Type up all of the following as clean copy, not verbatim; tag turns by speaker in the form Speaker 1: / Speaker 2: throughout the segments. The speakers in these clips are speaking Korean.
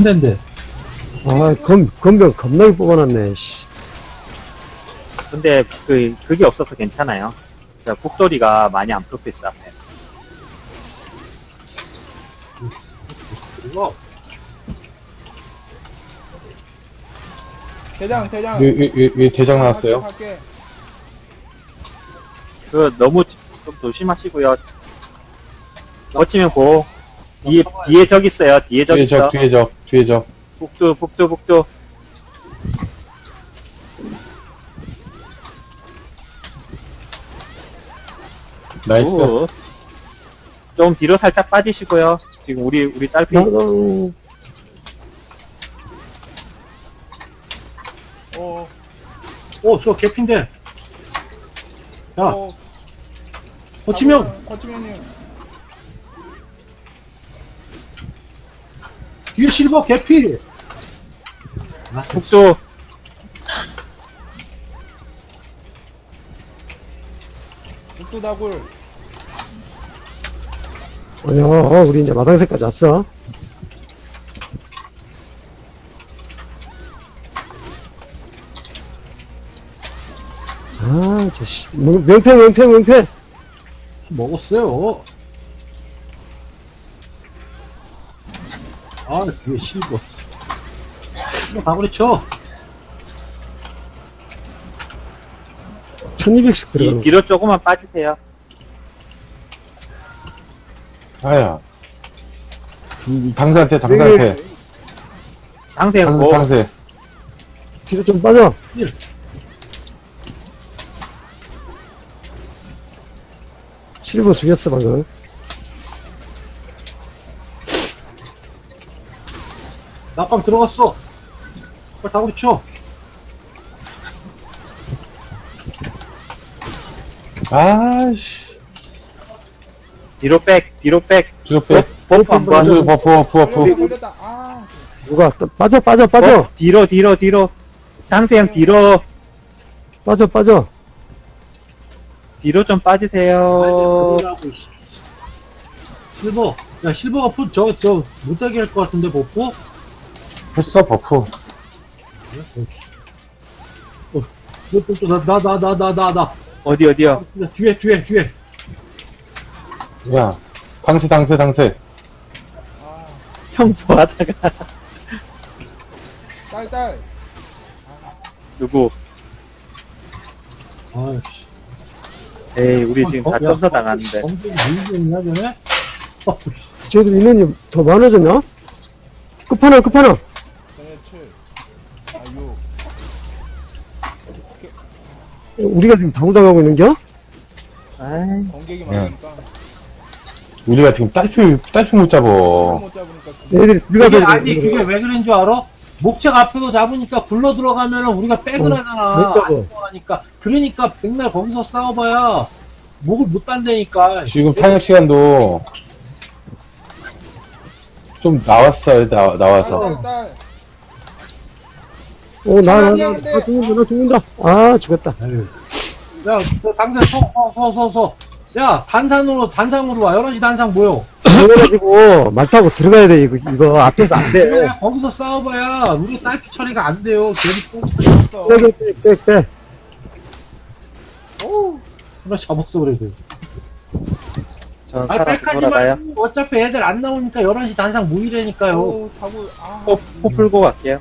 Speaker 1: 데인데.
Speaker 2: 아, 건병 겁나게 뽑아놨네, 씨.
Speaker 3: 근데 그게 없어서 괜찮아요. 북소리가 많이 안 풀고 있어, 앞에.
Speaker 1: 그리고,
Speaker 4: 대장.
Speaker 5: 왜 대장 나왔어요?
Speaker 4: 할게.
Speaker 3: 너무 좀 조심하시고요. 거치면 고. 뒤에 적 있어요. 뒤에 적 있어.
Speaker 5: 뒤에 적.
Speaker 3: 북두.
Speaker 5: 나이스.
Speaker 3: 굿. 좀 뒤로 살짝 빠지시고요. 지금 우리 딸피.
Speaker 2: 아이고,
Speaker 1: 저 개핀데. 야,
Speaker 4: 어,
Speaker 1: 거치면,
Speaker 4: 거치면님.
Speaker 1: 뒤에 실버 개피.
Speaker 3: 북두.
Speaker 4: 북두다굴.
Speaker 2: 아니야, 우리 이제 마당새까지 왔어. 아, 저, 씨. 명패.
Speaker 1: 먹었어요. 아, 뒤에 실버. 실버 가구리 쳐.
Speaker 2: 1200씩 들어가는 거.
Speaker 3: 뒤로 조금만 빠지세요.
Speaker 5: 아야. 당사한테.
Speaker 3: 당생 고.
Speaker 5: 당세.
Speaker 2: 뒤로 좀 빠져. 실버 죽였어, 방금.
Speaker 1: 낙방 들어갔어. 빨리 가구리 쳐.
Speaker 5: 아씨.
Speaker 3: 뒤로 백.
Speaker 5: 뒤로 빼.
Speaker 3: 버프 한번.
Speaker 5: 버프.
Speaker 4: 걸렸다. 아,
Speaker 2: 누가, 또 빠져.
Speaker 3: 뒤로. 당생 뒤로.
Speaker 2: 빠져.
Speaker 3: 뒤로 좀 빠지세요.
Speaker 1: 그러라고, 씨. 실버. 야, 실버가 못하게 할 것 같은데, 버프?
Speaker 5: 했어, 버프.
Speaker 1: 나.
Speaker 3: 어디요?
Speaker 1: 뒤에.
Speaker 5: 야. 당세.
Speaker 3: 형 뭐하다가.
Speaker 4: 딸.
Speaker 3: 누구?
Speaker 1: 아이씨.
Speaker 3: 에이, 우리 지금 다 점사 당하는데.
Speaker 1: 엄청 밀리겠냐, 전에?
Speaker 2: 쟤들 인원이 더 많아졌나? 끝판왕.
Speaker 4: 전에 7. 아, 6.
Speaker 2: 우리가 지금 다구당하고 있는겨?
Speaker 3: 아이,
Speaker 4: 공격이 많으니까.
Speaker 5: 우리가 지금 딸피 못 잡어.
Speaker 4: 못 잡으니까. 그
Speaker 2: 애들이 들어가서.
Speaker 1: 그게 왜 그런 줄 알아? 목책 앞에도 잡으니까 굴러 들어가면은 우리가 백을
Speaker 2: 못
Speaker 1: 하잖아.
Speaker 2: 잡아.
Speaker 1: 안 들어가니까. 그러니까 백날 거기서 싸워봐야 목을 못 단다니까.
Speaker 5: 지금 탄약 시간도 좀 나왔어요, 나와서.
Speaker 4: 딸.
Speaker 2: 나 죽는다. 아, 죽었다.
Speaker 1: 야, 저 당장 서. 야, 단상으로 와. 11시 단상 모여.
Speaker 2: 그래가지고, 말 타고 들어가야 돼, 이거. 앞에서 안 돼.
Speaker 1: 그래, 거기서 싸워봐야 우리 딸피 처리가 안 돼요. 괜히 똥 처리.
Speaker 4: 있어.
Speaker 2: 빼.
Speaker 4: 오,
Speaker 1: 그래, 잡았어, 그래도.
Speaker 3: 전
Speaker 1: 아니,
Speaker 3: 살아서
Speaker 1: 백하지
Speaker 3: 돌아가요.
Speaker 1: 말고 어차피 애들 안 나오니까 11시 단상 모이라니까요.
Speaker 4: 오, 다굴. 아,
Speaker 3: 포 풀고 갈게요.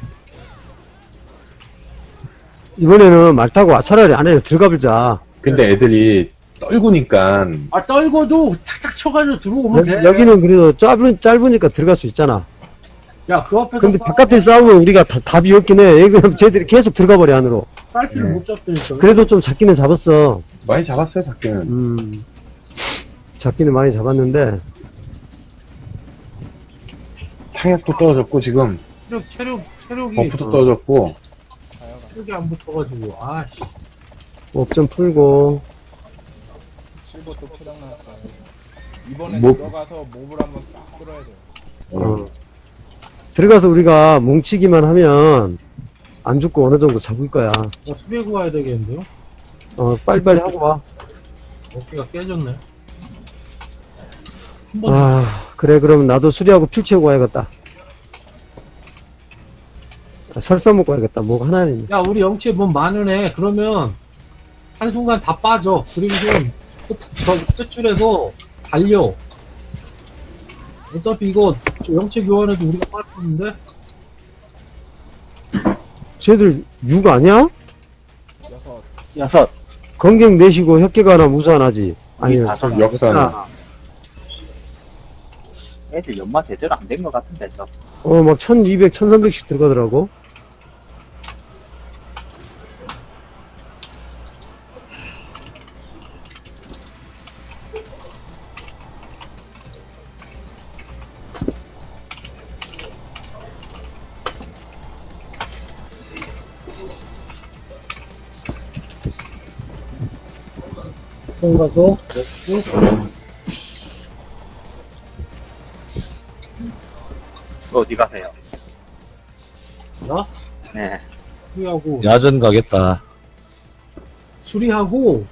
Speaker 2: 이번에는 말 타고 차라리 안에 들어가보자.
Speaker 5: 근데 애들이 떨구니까
Speaker 1: 아, 떨고도 탁탁 쳐가지고 들어오면 돼.
Speaker 2: 여기는 그래도 짧으니까 들어갈 수 있잖아.
Speaker 1: 야, 그 앞에서
Speaker 2: 근데 바깥에 싸우면 우리가 답이 없긴 해. 그럼 쟤들이 계속 들어가버려, 안으로.
Speaker 1: 딸피를 못 잡다니까.
Speaker 2: 그래도 좀 잡기는 잡았어.
Speaker 5: 많이 잡았어요, 밖에는.
Speaker 2: 잡기는 많이 잡았는데.
Speaker 5: 탄약도 떨어졌고, 지금.
Speaker 1: 체력이.
Speaker 5: 버프도 떨어졌고.
Speaker 1: 체력이 안 붙어가지고, 아씨.
Speaker 2: 업 좀 풀고.
Speaker 4: 실버 또 포장 나왔어요. 이번에
Speaker 5: 뭐-
Speaker 4: 들어가서 몹을 한번 싹 쓸어야 돼요.
Speaker 2: 들어가서 우리가 뭉치기만 하면 안 죽고 어느 정도 잡을 거야.
Speaker 1: 수배구 와야 되겠는데요?
Speaker 2: 빨리빨리 하고 와.
Speaker 1: 어깨가 깨졌네.
Speaker 2: 그래, 그럼 나도 수리하고 필 채우고 와야겠다. 설사 먹고 와야겠다. 뭐 하나는.
Speaker 1: 야, 우리 영치에 몸 많으네. 그러면, 한순간 다 빠져. 그리고 저 끝줄에서 달려. 어차피 이거, 저 영치 교환해도 우리가 빠졌는데?
Speaker 2: 쟤들 6 아니야?
Speaker 3: 6.
Speaker 2: 건경 내시고 혁계가 하나 무산하지. 아니,
Speaker 3: 다섯.
Speaker 5: 역사는.
Speaker 3: 애들 연마 제대로 안 된 것 같은데, 저.
Speaker 2: 막 1200, 1300씩 들어가더라고.
Speaker 1: 통 가서, 먹고,
Speaker 3: 어디 가세요?
Speaker 1: 나?
Speaker 3: 네.
Speaker 1: 수리하고,
Speaker 6: 야전 가겠다.
Speaker 1: 수리하고,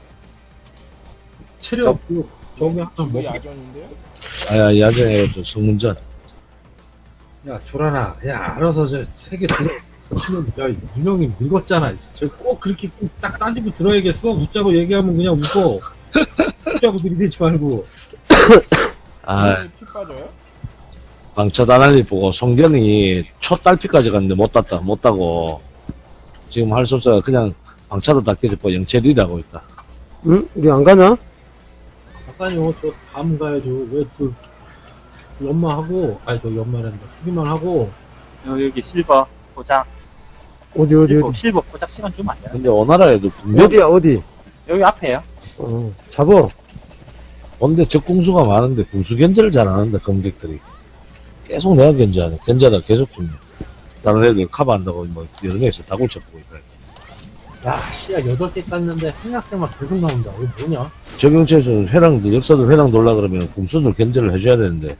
Speaker 1: 체력, 저기 하나
Speaker 4: 집이
Speaker 1: 먹
Speaker 4: 야전인데요?
Speaker 6: 아야, 야전에 저 성문전.
Speaker 1: 야, 조라나, 야, 알아서 저, 세 개 들어. 치면, 야, 윤영이 늙었잖아. 저 꼭 그렇게 꼭 딱 따지고 들어야겠어? 웃자고 얘기하면 그냥 웃고. 웃자고 들이대지 말고.
Speaker 6: 아,
Speaker 4: 피 빠져요?
Speaker 6: 방차 다날리 보고 송견이 첫 딸피까지 갔는데 못 따고. 지금 할 수 없어. 그냥 방차도 다 깨졌고 영체리라고 있다.
Speaker 2: 응? 우리 안 가냐?
Speaker 1: 아까요, 저, 감 가야죠. 왜 연마하고, 아니, 저 연마란다. 수리만 하고,
Speaker 3: 여기 실버 포장.
Speaker 2: 어디?
Speaker 3: 실버 포장 시간 주면 안 돼요?
Speaker 6: 근데 오나라에도 분명
Speaker 2: 어디야, 어디?
Speaker 3: 여기 앞에요.
Speaker 2: 잡어.
Speaker 6: 근데 적궁수가 많은데 궁수 견제를 잘 안 한다 검객들이. 계속 내가 견제하네. 견제하다 계속 죽네. 다른 애들 커버 한다고 뭐 여러 명이서 다굴 쳐보고 있다.
Speaker 1: 야, 씨야, 8개 땄는데, 한약생만 계속 나온다. 이거 뭐냐?
Speaker 6: 적용체에서 회랑들 역사들 회랑 돌라 그러면 궁수들 견제를 해줘야 되는데.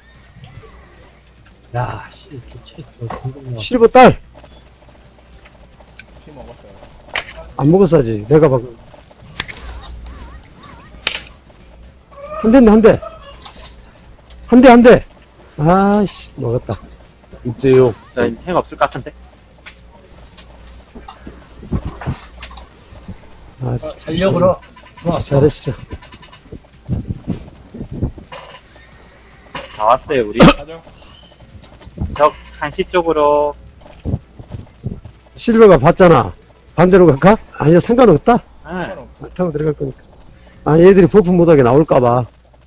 Speaker 1: 야, 씨, 저 공격력.
Speaker 2: 실버 딸!
Speaker 4: 피 먹었어요.
Speaker 2: 안 먹었어야지. 내가 방금. 한 대인데, 한 대. 아이씨, 먹었다.
Speaker 6: 6대6.
Speaker 3: 저 핵 없을 것 같은데?
Speaker 2: 아,
Speaker 1: 달려, 그럼. 좋았어.
Speaker 2: 잘했어.
Speaker 3: 다 왔어요, 우리.
Speaker 4: 가죠.
Speaker 3: 적 한시 쪽으로.
Speaker 2: 실버가 봤잖아. 반대로 갈까? 아니야, 상관없다.
Speaker 3: 네.
Speaker 4: 상관없어.
Speaker 2: 타고 들어갈 거니까. 아, 얘들이 버프 못하게 나올까봐.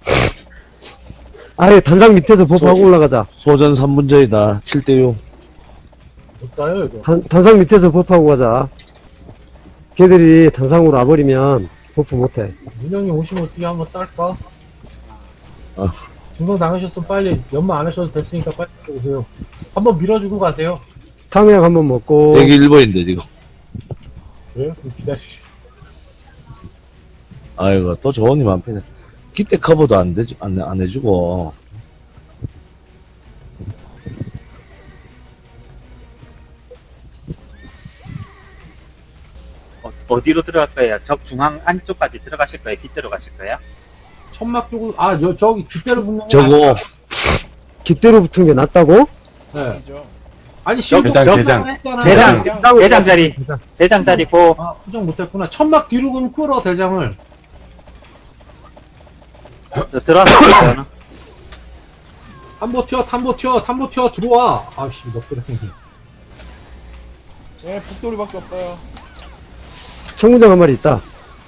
Speaker 2: 아예 단상 밑에서 버프하고 올라가자.
Speaker 6: 소전 3분전이다. 7대6.
Speaker 1: 못 따요, 이거.
Speaker 2: 단상 밑에서 버프하고 가자. 걔들이 단상으로 와버리면 버프 못해.
Speaker 1: 문영이 오시면 어떻게 한번 딸까?
Speaker 6: 아.
Speaker 1: 중동 당하셨으면 빨리, 연마 안 하셔도 됐으니까 빨리 오세요. 한번 밀어주고 가세요.
Speaker 2: 탕약 한번 먹고.
Speaker 6: 대기 1번인데 지금.
Speaker 1: 그래요? 그럼 기다리시죠.
Speaker 6: 아이고 또 조언이 많네. 기대 커버도 안 되지 안 해주고.
Speaker 3: 어디로 들어갈 거예요? 적 중앙 안쪽까지 들어가실 거예요? 뒷대로 가실 거예요?
Speaker 1: 천막 쪽으로, 저기, 뒷대로 붙는 거.
Speaker 6: 저거
Speaker 2: 깃대로 붙은 게 낫다고?
Speaker 1: 네.
Speaker 4: 아니죠.
Speaker 1: 아니, 실버
Speaker 5: 대장.
Speaker 1: 했잖아.
Speaker 3: 대장 자리. 대장 자리 고.
Speaker 1: 아, 포장 못했구나. 천막 뒤로 그럼 끌어, 대장을.
Speaker 3: 들어왔어요.
Speaker 1: 탐보 튀어, 들어와. 아씨, 너 그래.
Speaker 4: 예, 북돌이밖에 없어요.
Speaker 2: 청문장 한 마리 있다.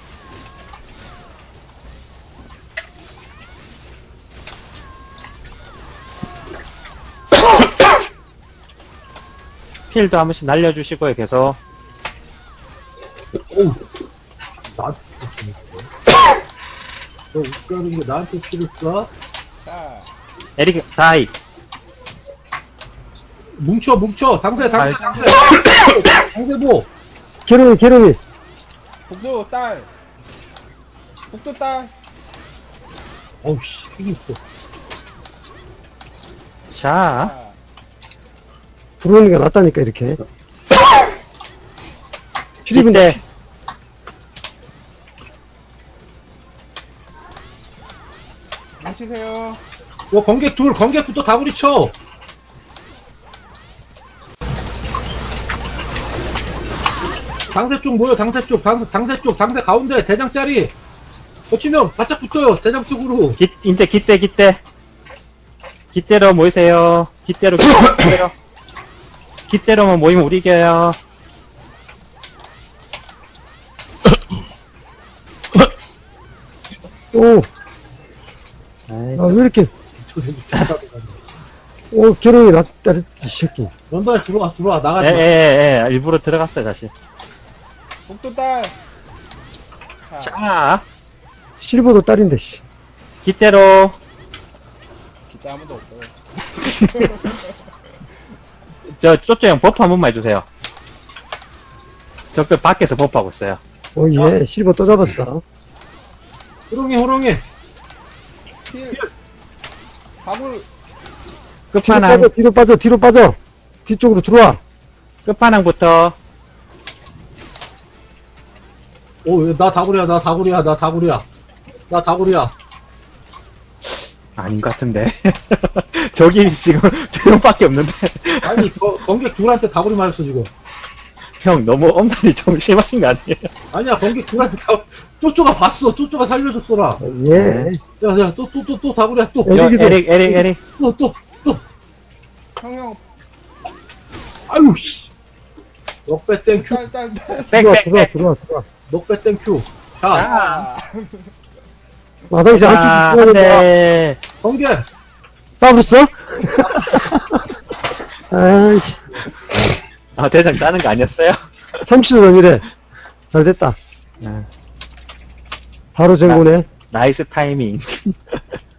Speaker 3: 필도 한 번씩 날려주시고요, 계속.
Speaker 1: 나한테 너 웃자는 게 나한테 필요 써?
Speaker 4: 자,
Speaker 3: 에릭, 다이.
Speaker 1: 뭉쳐. 당세. 당세보.
Speaker 2: 게르미.
Speaker 4: 북도 딸. 북도 딸.
Speaker 1: 어우, 씨, 이게 있어.
Speaker 3: 자.
Speaker 4: 자,
Speaker 2: 부르는 게 낫다니까, 이렇게.
Speaker 3: 필인데.
Speaker 4: 뭉치세요.
Speaker 1: 건객부터 다구리 쳐. 당세 쪽 모여, 당세 쪽, 당세 쪽, 당세 가운데, 대장짜리. 거치면 바짝 붙어요, 대장 쪽으로.
Speaker 3: 이제 깃대. 깃대로 모이세요. 깃대로. 깃대로만 모이면 우리 이겨요.
Speaker 2: 오,
Speaker 3: 아이,
Speaker 2: 아, 왜 이렇게,
Speaker 1: 저 새끼 존나
Speaker 2: 오, 괴로움이 났다, 이 새끼.
Speaker 1: 런던 들어와, 나가지 마.
Speaker 3: 예, 일부러 들어갔어요, 다시.
Speaker 4: 복도 딸. 자,
Speaker 3: 자,
Speaker 2: 실버도 딸인데, 씨.
Speaker 3: 깃대로.
Speaker 4: 기타 아무도 없어요.
Speaker 3: 쪼쪼 형 버프 한 번만 해주세요. 적들 밖에서 버프하고 있어요.
Speaker 2: 오, 예, 실버 또 잡았어.
Speaker 1: 호롱이.
Speaker 4: 힐. 다굴.
Speaker 3: 끝판왕,
Speaker 2: 뒤로 빠져. 뒤쪽으로 들어와.
Speaker 3: 끝판왕부터.
Speaker 1: 오, 나 다구리야.
Speaker 3: 아닌 것 같은데. 저기 지금 두 명밖에 없는데.
Speaker 1: 아니, 관객 둘한테 다구리 맞았어, 지금.
Speaker 3: 형, 너무 엄살이 좀 심하신 거 아니에요?
Speaker 1: 아니야, 관객 둘한테 쪼쪼가 봤어. 쪼쪼가 살려줬더라.
Speaker 2: 예.
Speaker 1: 야, 또 다구리야, 또.
Speaker 2: 야, 여기도-
Speaker 3: 에릭.
Speaker 1: 또.
Speaker 4: 형형.
Speaker 1: 아유, 씨. 넉배 땡큐.
Speaker 4: 딸.
Speaker 2: 들어와.
Speaker 1: 넉배 땡큐. 자,
Speaker 4: 아.
Speaker 2: 마당 이제
Speaker 3: 아,
Speaker 2: 안쪽
Speaker 3: 안
Speaker 2: 들어야 된다.
Speaker 3: 돼.
Speaker 1: 관객.
Speaker 2: 따블었어? 아이씨.
Speaker 3: 아, 대장 따는 거 아니었어요?
Speaker 2: 30도 넘이래. 잘 됐다.
Speaker 3: 네.
Speaker 2: 바로 전구네.
Speaker 3: 나이스 타이밍.